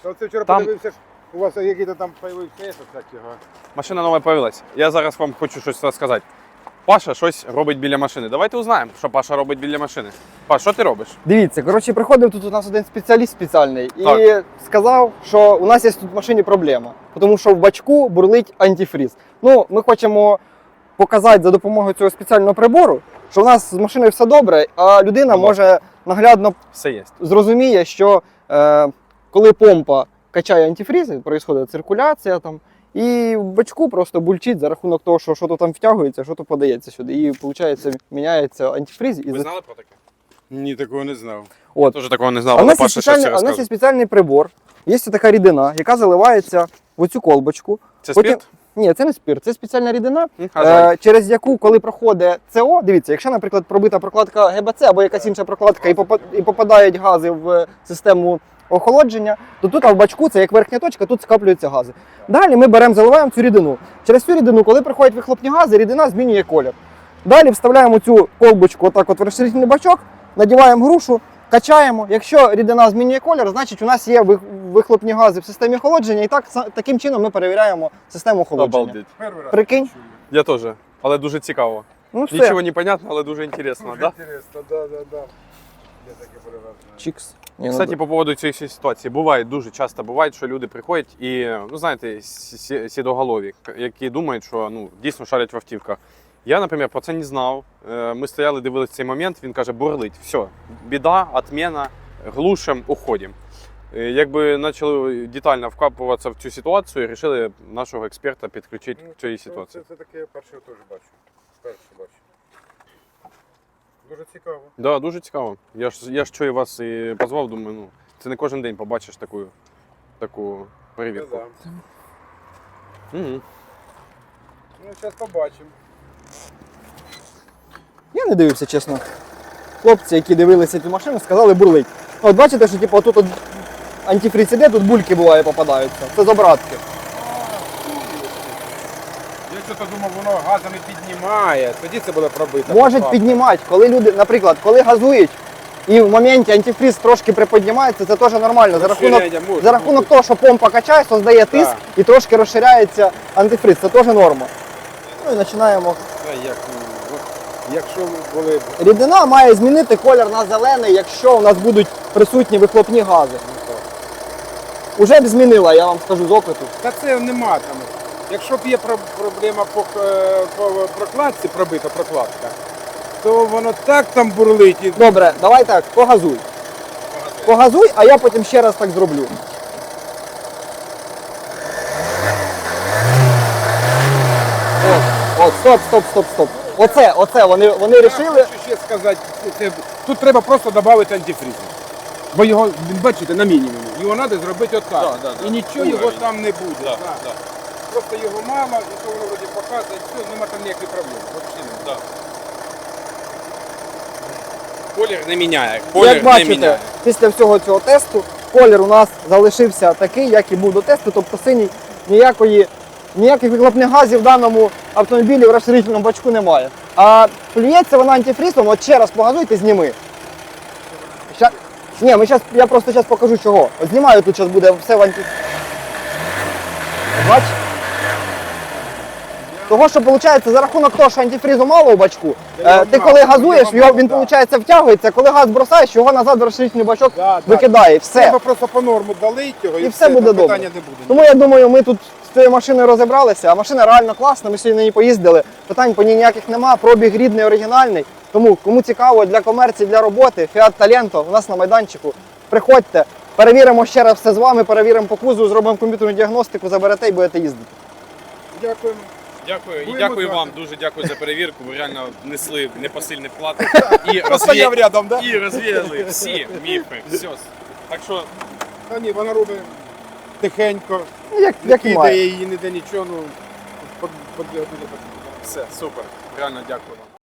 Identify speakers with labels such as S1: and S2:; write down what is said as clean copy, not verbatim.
S1: Оце вчора
S2: Там-
S1: подивився, у вас який-то там появився, кстати, ага.
S2: Машина нова появилась. Я зараз вам хочу щось розказати. Паша щось робить біля машини. Давайте узнаємо, що Паша робить біля машини. Паш, що ти робиш?
S3: Дивіться, коротше, приходив тут у нас один спеціаліст спеціальний і
S2: Так.
S3: сказав, що у нас є тут в машині проблема, тому що в бачку бурлить антифріз. Ну, ми хочемо показати за допомогою цього спеціального прибору, що у нас з машиною все добре, а людина може наглядно
S2: Все є.
S3: зрозуміє, що коли помпа качає антифріз, відбувається циркуляція там, і в бачку просто бульчить за рахунок того, що щось там втягується, щось подається сюди. І виходить, міняється антифріз. І
S2: Ви знали про таке?
S1: Ні, такого не знав.
S3: От.
S2: Теж такого не знав,
S3: А у
S2: але
S3: нас є
S2: Паша щось це
S3: спеціальний, а у нас є
S2: розказує.
S3: спеціальний прибор. Є така рідина, яка заливається в оцю колбочку.
S2: Це
S3: Потім-
S2: спірт?
S3: Ні, це не спирт, це спеціальна рідина,
S2: А жаль.
S3: через яку, коли проходить СО, дивіться, якщо, наприклад, пробита прокладка ГБЦ або якась інша прокладка і попадають гази в систему охолодження, то тут в бачку, це як верхня точка, тут скаплюються гази. Далі ми беремо, заливаємо цю рідину. Через цю рідину, коли приходять вихлопні гази, рідина змінює колір. Далі вставляємо цю колбочку отак от в розширительний бачок, надіваємо грушу, качаємо. Якщо рідина змінює колір, значить у нас є вихлопні гази в системі охолодження, і таким чином ми перевіряємо систему охолодження.
S2: Обалдеть.
S1: Перший раз
S3: Прикинь?
S1: чую.
S2: Я теж. Але дуже цікаво.
S3: Ну все.
S2: Нічого не понятно, але дуже інтересно,
S1: Дуже
S2: да?
S1: інтересно, да. Я таке перший раз знаю.
S3: Чікс. Ні, ну,
S2: Кстати, по поводу цієї ситуації, буває, дуже часто буває, що люди приходять і, ну знаєте, сідоголові, які думають, що ну, дійсно шарять в автівках. Я, наприклад, про це не знав. Ми стояли, дивилися цей момент, він каже, бурлить, все, біда, отмена, глушим, уходимо. Якби почали детально вкапуватися в цю ситуацію і вирішили нашого експерта підключити до цієї ситуації.
S1: Це таке перше теж бачу. Перше бачу. Дуже цікаво.
S2: Да, дуже цікаво. Я ж чую вас і позвав, думаю, ну, це не кожен день побачиш таку перевірку.
S1: Да.
S2: Угу.
S1: Ну, зараз побачимо.
S3: Я не дивився, чесно. Хлопці, які дивилися цю машину, сказали бурлить. От бачите, що типу, тут антифриз іде, тут бульки буває попадаються. Це з обратки.
S1: Я щось думав, воно газами піднімає, тоді це буде пробито.
S3: Можуть піднімати, коли люди, наприклад, коли газують, і в моменті антифриз трошки приподнімається, це теж нормально. За рахунок того, що помпа качає, создає тиск
S1: Так.
S3: і трошки розширяється антифриз. Це теж норма. Ну і починаємо.
S1: Якщо були б...
S3: Рідина має змінити колір на зелений, якщо у нас будуть присутні вихлопні гази. Уже б змінила, я вам скажу з опиту.
S1: Та це нема там. Якщо б є проблема по прокладці, пробита прокладка, то воно так там бурлить. І...
S3: Добре, давай так, погазуй. Погазуй, а я потім ще раз так зроблю. От, стоп. Оце, вони рішили.
S1: Я хочу ще сказати, тут треба просто додати антифриз. Бо його, бачите, на мінімумі. Його треба зробити отак. І нічого його там не буде. Просто його мало, і то воно вроді показує, все, нема там ніяких проблем. Взагалі немає.
S2: Колір не міняє.
S3: Як бачите, після всього цього тесту колір у нас залишився такий, як і був до тесту, тобто синій, ніяких вихлопних газів в даному автомобілі в розширительному бачку немає. А плюється вона антифрізом, от ще раз погазуйте, зніми. Ні, я просто зараз покажу чого. От знімаю, тут зараз буде все в антифрізі. Бач? Того, що виходить, за рахунок того, що антифрізу мало у бачку, ти коли газуєш, він виходить втягується, коли газ бросаєш, його назад в розширительний бачок викидає. Все.
S1: Треба просто по норму долити його
S3: І все буде добре.
S1: питання не буде.
S3: Тому я думаю, ми тут з цією машиною розібралися, а машина реально класна, ми сьогодні на ній поїздили, питань по ній ніяких нема, пробіг рідний, оригінальний. Тому, кому цікаво для комерції, для роботи, Fiat Talento у нас на майданчику, приходьте, перевіримо ще раз все з вами, перевіримо по кузову, зробимо комп'ютерну діагностику, заберете і будете їздити.
S1: Дякуємо.
S2: Дякую. І
S1: Будемо
S2: дякую
S1: знати.
S2: вам, дуже дякую за перевірку. Ви реально внесли непосильний вклад і
S1: Постояв рядом, да?
S2: і розвіяли всі міфи. Все. Так що
S1: Та ні, вона робить тихенько,
S3: Ну,
S1: не
S3: як і має.
S1: кидає її ніде нічого, ну,
S2: все, супер. Реально дякую вам.